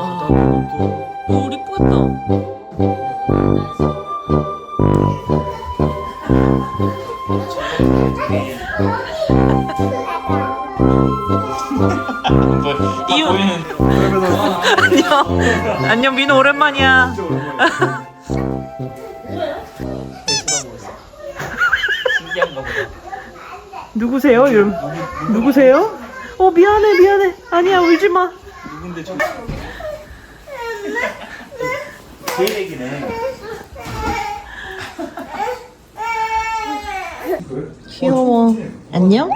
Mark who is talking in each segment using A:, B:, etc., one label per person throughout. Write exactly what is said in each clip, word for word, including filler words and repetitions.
A: 와, 너무 이쁘겠다. 이윤. 안녕. 안녕 민호 오랜만이야. 누구세요? 이름 누구세요? 어 미안해 미안해. 아니야 울지 마.
B: 누군데 저? 제 얘기네.
A: 귀여워. 안녕?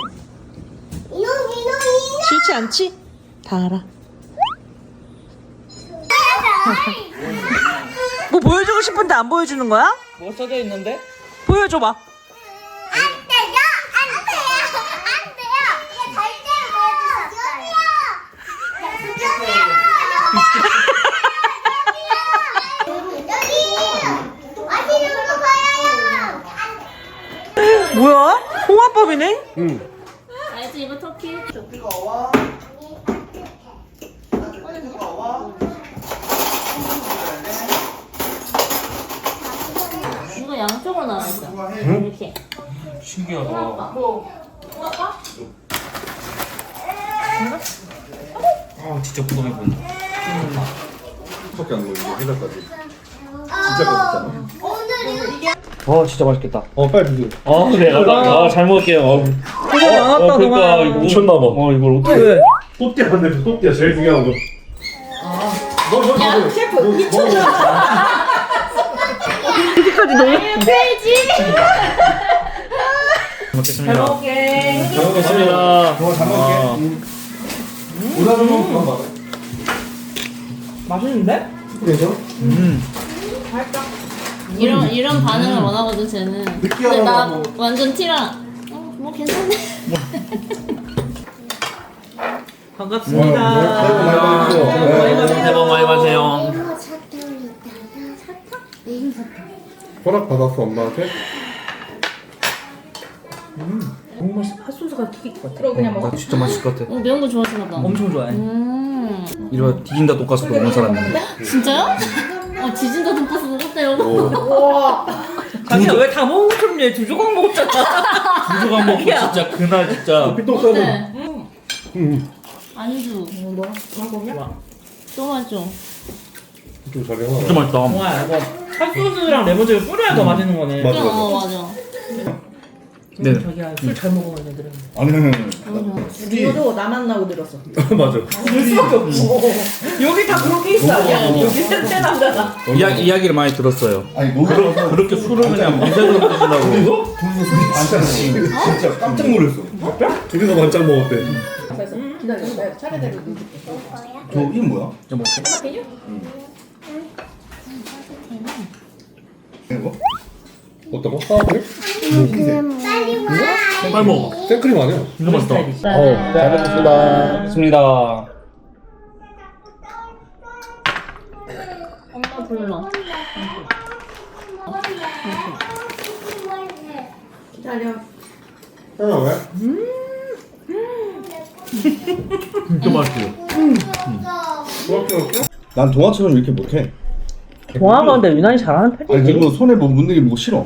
A: 싫지 않지? 다 알아. 뭐 보여주고 싶은데 안 보여주는 거야?
B: 뭐 써져 있는데?
A: 보여줘봐. 뭐야? 홍화법이네?
C: 응.
D: 알지 이거 터키.
B: 뜨거워. 뜨거워.
D: 이거 양쪽으로 나와있어. 이렇게.
B: 신기하다. 아 진짜 궁금해 보인다.
C: 밖에 안 보이고 해달까지. 진짜 맛있잖아.
B: 와 진짜 맛있겠다.
C: 어 빨리 드세요.
B: 아 그래. 아, 아, 잘 먹을게요. 어.
A: 고생 많았다
B: 어, 그러니까
A: 동아.
B: 이거
C: 미쳤나봐.
B: 어 이걸 어떻게?
A: 왜?
C: 또띠아 한대 또띠아 제일 중요한 거.
D: 야 셰프 미쳤어.
A: 여기까지 너무
D: 페이지.
B: 먹겠습니다.
A: 잘 먹게.
B: 잘 먹겠습니다.
C: 정말 잘 먹을게. 오다는 거 그만 먹어.
A: 맛있는데?
C: 그래서?
B: 음.
D: 이런 이런 반응을 원하거든 쟤는. 근데
C: 느끼하다고
D: 나
C: 하고.
D: 완전 티라. 어뭐 괜찮네.
A: 반갑습니다.
C: 새해 복 많이 받으세요.
A: 많이 받으세요.
B: 새해 복 많이 받으세요.
C: 허락 받았어 엄마한테?
A: 너무 맛있어. 핫소스가 튀길 것 같아.
D: 그럼 그냥 먹어.
B: 나 진짜 맛있을 것 같아.
D: 어, 매운 거 좋아하시나 봐.
A: 엄청 좋아해.
D: 음.
B: 이런 디긴다 돈가스도 먹는 사람인데.
D: 진짜요? 어 지진다 돈가스 먹었대요.
C: 어.
A: 자기야 왜 다 먹은 것처럼 얘 두 조각 먹었잖아.
B: 두 조각 먹고 진짜 그날 진짜.
C: 피똥 싸는.
D: 어때?
C: 응.
D: 안주.
A: 뭐? 먹어보냐?
D: 또 맛줘.
C: 좀 잘해.
B: 진짜 맛있다.
A: 동아야 이거 핫소스랑 레몬즙을 뿌려야 더 맛있는 거네.
C: 맞아.
D: 어 맞아.
B: 네.
A: 자기야 술 잘 먹어요 얘들은.
C: 아니 아니 아니.
A: 니도 나만 나고 들었어.
C: 맞아.
A: 들 수밖에 없어. 여기 다 그렇게 있어 아니야? 여기 셋째 남자가.
B: 이야, 이야기를 많이 들었어요.
C: 아니 놀라서
B: 그렇게 술을 그냥 무색으로 드신다고.
C: 둘이서? 둘이서 술이 반찬 먹었어. 진짜 깜짝 놀랐어. 둘이서 반찬 먹었대.
A: 기다려. 내가 차례대로 넣어줄게.
C: 저 이름 뭐야?
B: 저 먹을게.
A: 메뉴?
C: 이거? 어떤 거? 사과크림?
B: 빨리 먹어.
C: 생크림 아니야?
B: 진짜 맛있다.
C: 어, 잘 먹겠습니다.
B: 좋습니다.
D: 엄마 불러.
A: 기다려.
C: 형 왜?
B: 진짜 맛있어요.
C: 난 동화처럼 이렇게 못해.
A: 동아가 근데 유난히 잘하는 편이지.
C: 아니 그리고 손에 뭐 묻는 게 뭐 싫어.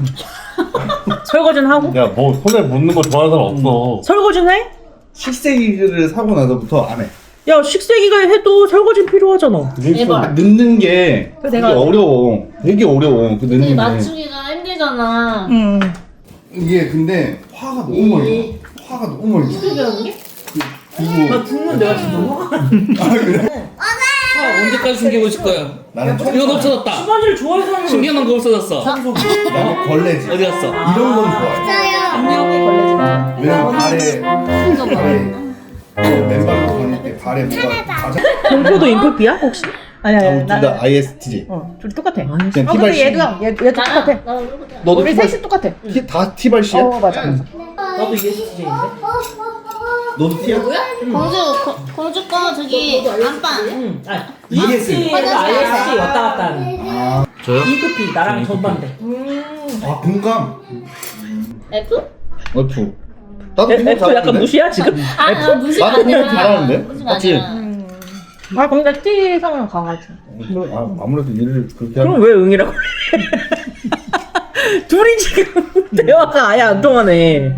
A: 설거지는 하고?
C: 야 뭐 손에 묻는 거 좋아하는 사람 없어.
A: 설거지는 해?
C: 식세기를 사고 나서부터 안 해.
A: 야 식세기가 해도 설거지는 필요하잖아.
D: 대박.
C: 넣는 게
A: 그래,
C: 되게
A: 내가-
C: 어려워. 되게 어려워. 그
D: 근데
C: 넣는 게.
D: 맞추기가 힘들잖아.
A: 응.
C: 이게 근데 화가 너무 멀리 나. 화가 너무 멀리 나.
D: 배우는 게?
C: 그리고
A: 죽는 내가 지금 뭐?
C: 아 그래?
B: 언제까지 숨기고 있을 거야?
C: 나는
B: 이거
C: 청소.
B: 없어졌다.
A: 수건이를 좋아해서 하는 거.
B: 숨겨놓은 거 없어졌어.
C: 나는 걸레지.
B: 어디 갔어?
C: 이런 건 좋아해.
A: 안녕히 걸레지.
C: 왜냐면 발에
D: 이거 봐.
C: 발에 어, 맨발로 다닐 때 발에 뭐가 가장
A: 공포도 인프피야 혹시? 아니 아니
C: 둘다 아이에스티지.
A: 어, 둘 똑같아.
C: 그냥
A: 아 근데
C: 티발씨.
A: 얘도 얘 얘도 똑같아.
D: 나랑 나랑 이거보다.
C: 너도
A: 우리
C: 티발
A: 셋이 똑같아.
C: 티, 다 티발씨야?
A: 어 맞아. 나도 이에스티제인데.
C: 너도 티야?
D: 공주 거, 공주 거 저기 안방.
A: 응. 아
C: 이에스.
A: 이에스티에서 아이에스티 왔다 갔다 하는.
C: 아,
B: 저요?
A: 이급히 나랑 전반대.
C: 아 공감.
D: F?
C: F. 나도
A: F
C: 공감
A: 약간
C: 잘하는데?
A: 무시야 지금?
D: 아, 나 무시가
C: 나도 공감
D: 아니라.
C: 잘하는데?
D: 무시가
B: 맞지?
D: 아니라.
A: 아 근데 T 성향 강하지.
C: 아, 아무래도 일을 그렇게
A: 그럼 왜 응이라고 그래? 둘이 지금 대화가 아예 안 통하네.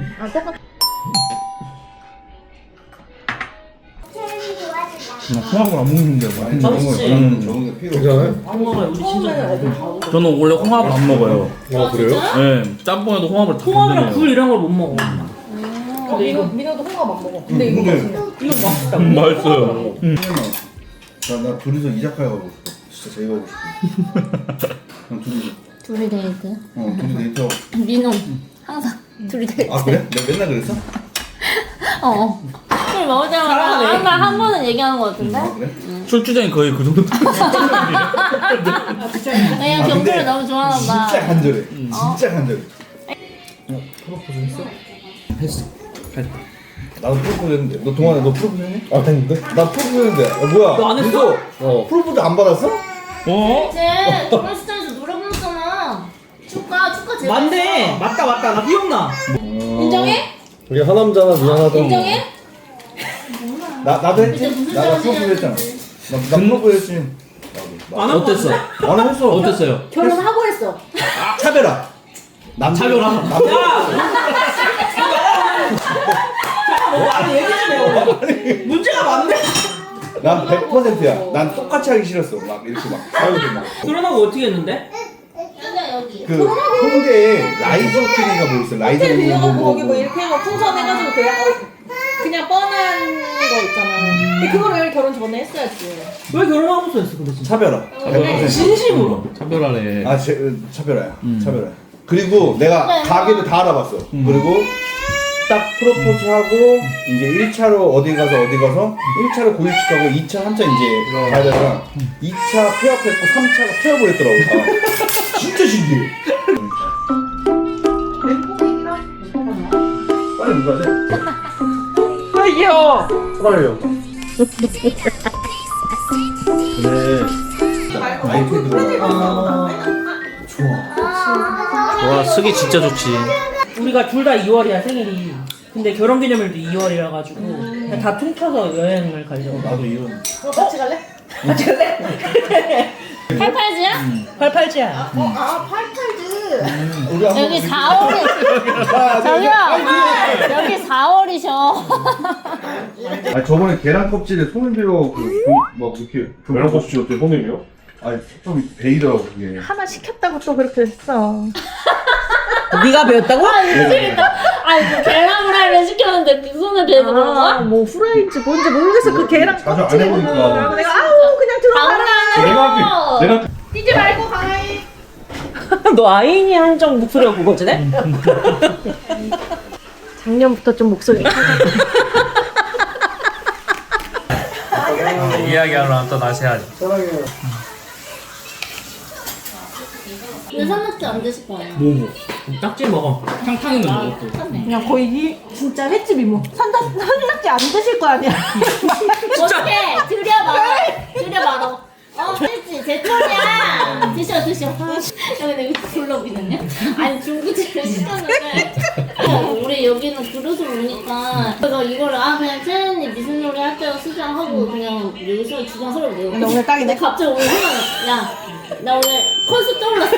C: 나 홍합을 안 먹는데 많이
B: 맛있지?
C: 응, 적은 게 필요 없잖아요.
B: 안 먹어요. 우리 진짜. 저는 원래 홍합을 안 먹어요.
C: 아 그래요?
B: 네, 짬뽕에도 홍합을 다
A: 홍합이랑 굴
B: 건드려요.
A: 이런 걸 못 먹어.
E: 근데 이거 민호도 홍합 안 먹어. 근데 이거
C: 근데
A: 이거 맛있다.
B: 음, 맛있어요.
C: 나, 나 둘이서 이자카야 가고 싶어. 진짜 제일 가고 싶어. 그냥 둘이
D: 둘이 데이트.
C: 어 둘이 데이트하고.
D: 민호 항상 둘이 데이트.
C: 아 그래? 내가 맨날 그랬어?
D: 어. 술 먹을 때마다
A: 잘하네.
D: 항상 한 번은 얘기하는 것 같은데.
C: 아 그래?
B: 출주장이 거의 그 정도.
D: 그냥
C: 아,
D: 경주를
C: 근데
D: 너무 좋아하나 봐.
C: 진짜 간절해.
B: 음.
C: 진짜 간절해.
B: 프로포즈 했어? 했어. 했다.
C: 나도 프로포즈 했는데. 너 동안에 너 프로포즈 했니? 아 했는데? 나 프로포즈 했는데. 야, 뭐야?
A: 너안 했어?
C: 민서,
B: 어.
C: 프로포즈 안 받았어?
B: 어?
D: 이제 결혼식장에서 노래 불렀잖아. 축가 축가 제일
A: 맞네. 맞다 맞다. 나 기억나.
D: 인정해?
C: 우리 하남자나 미안하다.
D: 인정해?
C: 나 나도 했지?
D: 근데 무슨
C: 나, 나
D: 소리야?
C: 프로포즈 했잖아. 나, 나 프로포즈 했지.
A: 안 하고
B: 어땠어?
C: 나는 했어.
B: 어땠어요?
E: 결혼하고 했어.
C: 차별아. 남
B: 차별아.
A: 야. 뭐 아니 얘기 좀 해. 문제가 많네.
C: 난 백 퍼센트야. 난 똑같이 하기 싫었어. 막 이렇게 막 싸우고 막.
A: 결혼하고 어떻게 했는데?
D: 여기야 여기.
C: 그 홍대에 라이즈 호텔인가 뭐 있어. 라이즈
E: 호텔 빌려갖고
C: 뭐,
E: 거기 뭐 이렇게 해서 풍선해가지고 그냥 어, 그냥 뻔한 거 있잖아. 근데 그거를 왜 결혼 전에 했어야지.
A: 왜 결혼하고서 했어 근데 진짜?
C: 차별아. 백 퍼센트.
A: 진심으로.
B: 차별하네.
C: 아, 제, 차별아야.
B: 음.
C: 차별아야. 그리고 내가
D: 네.
C: 가게도 다 알아봤어.
B: 음.
C: 그리고 딱 프로포즈하고 이제 일 차로 어디 가서 어디 가서 일 차로 고일축하고 이 차 한차 이제 가야 되다가 이 차 폐업했고 삼 차가 폐업을 했더라고. 아, 진짜 신기해. 빨리 누가 돼?
A: 아 귀여워.
C: 빨리요. 그래. 아이패드로. 좋아.
B: 와, 쓰기 진짜 좋지.
A: 우리가 둘 다 이월이야 생일이. 근데 결혼기념일도 이월이라 가지고 그냥 다 퉁쳐서 여행을 가려고.
C: 나도 이런.
E: 어, 같이 갈래?
A: 같이 갈래?
D: 팔팔지야?
A: 팔팔지야.
E: 어, 아, 팔팔즈.
C: 우리 한번
D: 여기 사월이 저기요. 여기 사월이셔.
C: 아 저번에 계란 껍질에 손을 빌어 그막 이렇게 계란 껍질 어때 손님이요? 아니 좀 베이더라고 그게.
E: 하나 시켰다고 또 그렇게 했어.
A: 네가 배웠다고?
D: 아 미치겠다. 아니 그 계란 후라이를 시켰는데 그 손을 대고 그런 거야?
E: 뭐 후라이인지 뭔지 모르겠어. 그 계란
C: 자주 안
E: 껍질에
C: 해보니까.
E: 그래서 내가 아우 그냥 들어가라.
D: 장난.
C: 내가
E: 뛰지 말고 가라이.
A: 너 아인이 한정 목소리가 그거지?
E: 작년부터 좀 목소리.
B: 이야기하려면 또 다시 해야지.
D: 근데 산낙지 안 드실 거예요?
B: 뭐, 뭐. 딱지 먹어. 탕탕 있는 거 또.
E: 그냥 거의 이 진짜 횟집 이모. 산다 산낙지 안 드실 거 아니야.
D: 어떻게 들여봐라. 들여봐라. 어, 그렇지. 제 털이야. 드셔, 드셔. 야, 근데 여기 불러비는요? 아니, 중국집을 시켰는데. 어, 우리 여기는 그릇을 오니까. 그래서 이거를, 아, 그냥 채연이 무슨 요리 할 때도 수정하고, 그냥 여기서 주장 서로 내고.
E: 근데 오늘 딱이네.
D: 근데 갑자기 오늘 생각나. 야, 나 오늘 컨셉 떠올랐어.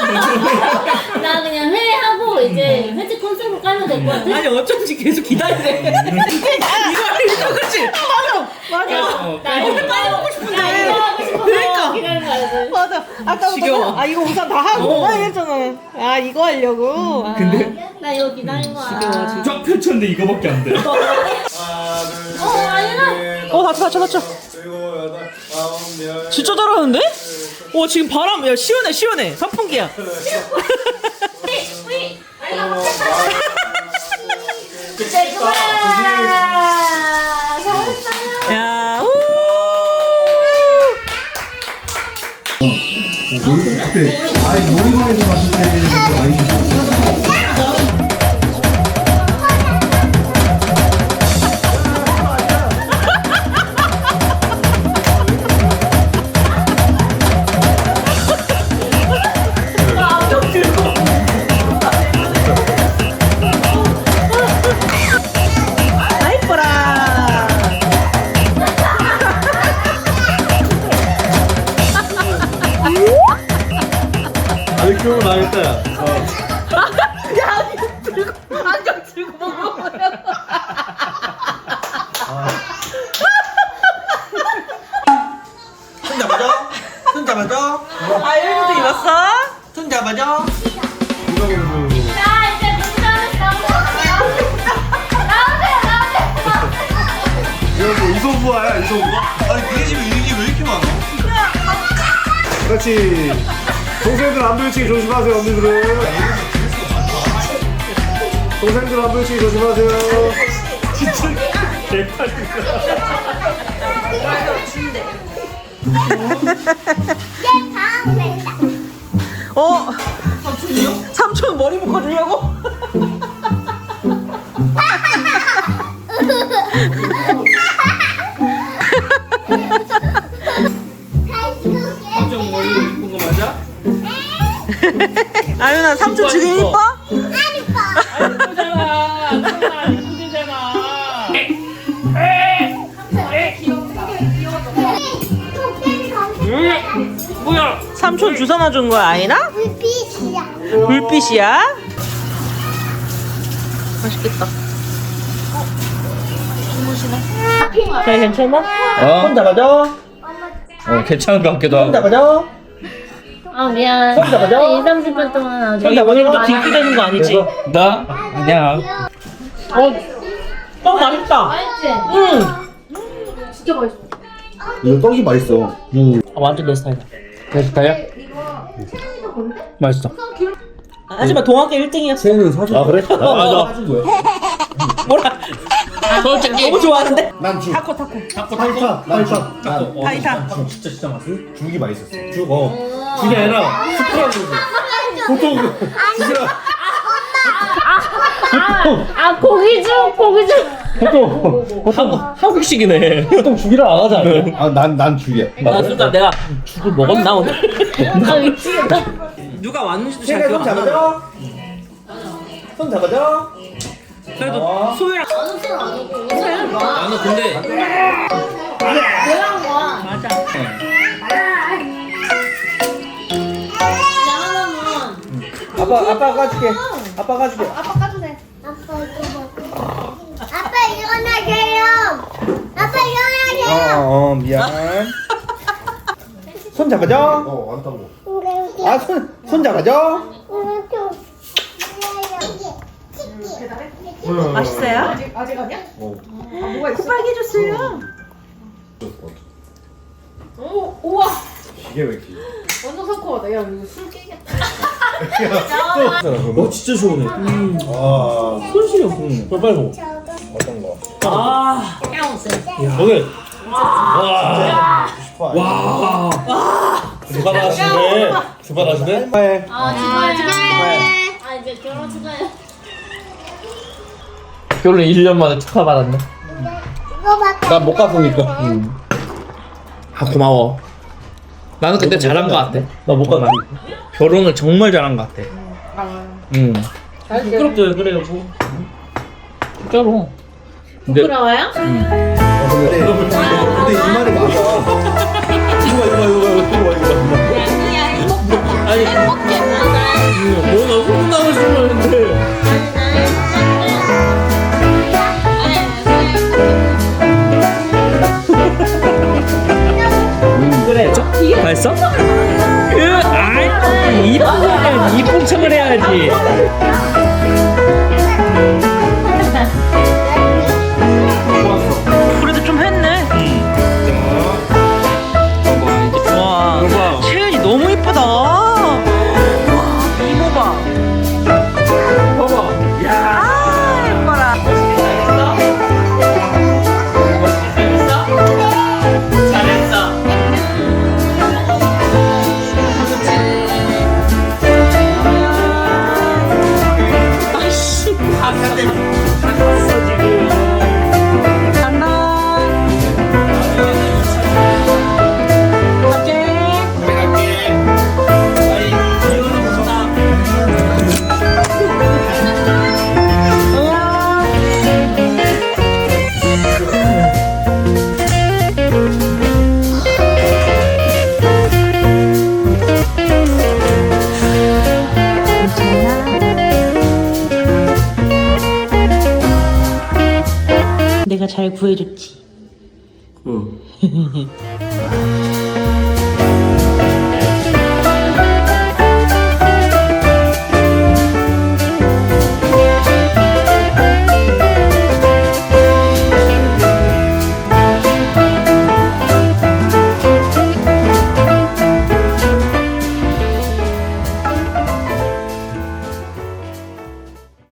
D: 나 그냥 회하고, 이제 회집 컨셉으로 깔면 될 것 같아.
A: 아니 어쩐지 계속 기다리네. 이거 이거 그렇지. 맞아. 맞아.
B: 어,
D: 나 이거 빨리 먹고 싶은데. 나 이거 하고 싶어서
A: 그러니까.
D: 기다리는 거야.
E: 맞아. 아까부터
A: 지겨워.
E: 아 이거 우선 다 하고 막 이랬잖아. 아 이거 하려고. 아.
D: 나 이거 기다린 거야.
B: 쫙 펼쳤는데 이거밖에 안 돼.
D: 어, 아니라.
A: 어 다쳐 다쳐 다쳐. 진짜 잘하는데? 어 지금 바람 야 시원해 시원해 선풍기야.
D: 우이.
A: 야 우.
C: 그때 아니 놀이방에서 봤을 때 많이
E: 아 이뻐라.
B: 들고 나겠다.
E: 안경 들고 먹어.
F: 손 잡아줘. 손 잡아줘.
E: 아 일부러 입었어?
F: 손 잡아줘.
D: 자 이제 문자는 나오세요. 나오세요 나오세요.
B: 이거 뭐 이소부아야 이소부아?
F: 아니 니네 집에 유익이 왜 이렇게 많아?
B: 그렇지. 동생들 안 부딪히게 조심하세요 언니들은. 동생들 안 부딪히게 조심하세요. 진짜 개판이다.
E: 어? 삼촌이요? 삼촌 머리 묶어주려고?
B: 삼촌 머리 이쁜 거 맞아?
E: 아윤아 삼촌 지금 이뻐?
A: 이쁘잖아. 안 이쁘잖아. 뭐야?
E: 삼촌 주워 놔준 거야 아이나? 불빛이야? 맛있겠다.
A: 잘 괜찮아?
B: 어?
C: 손 잡아줘.
B: 어 괜찮은 것 같기도
C: 손
B: 하고.
C: 잡아줘.
D: 아 미안.
C: 손 잡아줘.
D: 이, 삼십 분 동안 아주
A: 자기 오늘부터 딩크되는 거 아니지?
B: 나? 아니야.
A: 어, 떡 맛있다.
D: 맛있지?
A: 응.
D: 진짜 맛있어.
C: 이거 떡이 맛있어.
A: 아, 완전 내 스타일이다.
B: 내 스타일이야? 맛있어.
A: 하지만 동학교 일 등이었어.
C: 쟤는 사줘. 아 그래?
B: 아, 맞아.
C: 사준 거야.
A: 뭐라?
B: 솔직히
A: 너무 좋아하는데?
C: 난 죽.
A: 타코 타코.
B: 타코
C: 파이타. 난 죽. 난
B: 어,
E: 파이타.
B: 타코 진짜 진짜 맛있어.
C: 죽이 맛있었어. 죽. 어.
B: 그게 아니라 스프라고 보통 진짜
D: 아 고기죽 고기죽.
B: 보통 보통 한국식이네. 보통 죽이를 안 하잖아.
C: 아난 난 죽이야.
A: 나 진짜 내가 죽을 먹었나 오늘?
D: 아 미치겠다.
A: 누가 왔는지도 잘
C: 손
A: 기억 안 나.
C: 잡아줘. 손 잡아줘.
A: 그래도 소율아.
D: 나는 술안 먹고 오세요.
B: 나는 근데
D: 뭐한 거야?
A: 맞아.
D: 나 하나만.
C: 아빠 아빠 까줄게. 아빠 까줄게.
E: 아빠 까주세요.
G: 아빠 이거 먹어. 아빠 일어나세요. 아빠 일어나세요.
C: 어, 어 미안. 손 잡아줘.
B: 어 안타고.
C: 아 손 손 잡아줘.
E: 맛있어요? 아직 아직 아니야? 어. 아 뭐가 있어? 빨개졌어요. 오 우와.
C: 이게 왜 이렇게?
E: 완전 상큼하다. 야 이거 술 깨겠다.
B: 어 진짜 시원해.
C: 아
B: 손실이 없어. 저 빨리 먹어.
C: 어떤 거?
A: 아.
B: 오늘
C: 싶어.
B: 와. 주가 나시네. 주가 나시네.
C: 네.
D: 아 축하해 축하해. 아 이제 결혼 축하해.
B: 결혼 일 년 만에 축하받았네.
C: 난 못 갔으니까.
B: 아 고마워. 나는 그때 잘한 것 같아. 나 못 갔나? 결혼을 정말 잘한 것 같아. 응.
A: 부끄럽죠 그래요 뭐.
B: 진짜로. 근데
D: 부끄러워요?
C: 어, 근데 근데 이 말이 맞아.
B: 이거 이거 이거 이거 이거 이거.
D: 야 행복해.
B: 아니
D: 행복해 맞아.
B: 뭐나 소문나고 싶었는데.
A: 그래.
B: 맛있어? 그 아이 이쁜 이쁜 척을 해야지.
E: 그래도 좀 했네. 와 채연이 너무 이쁘다. 와 이모 봐.
B: 봐봐.
E: 아 예뻐라.
A: 잘했어. 잘 구해줬지.
C: 응.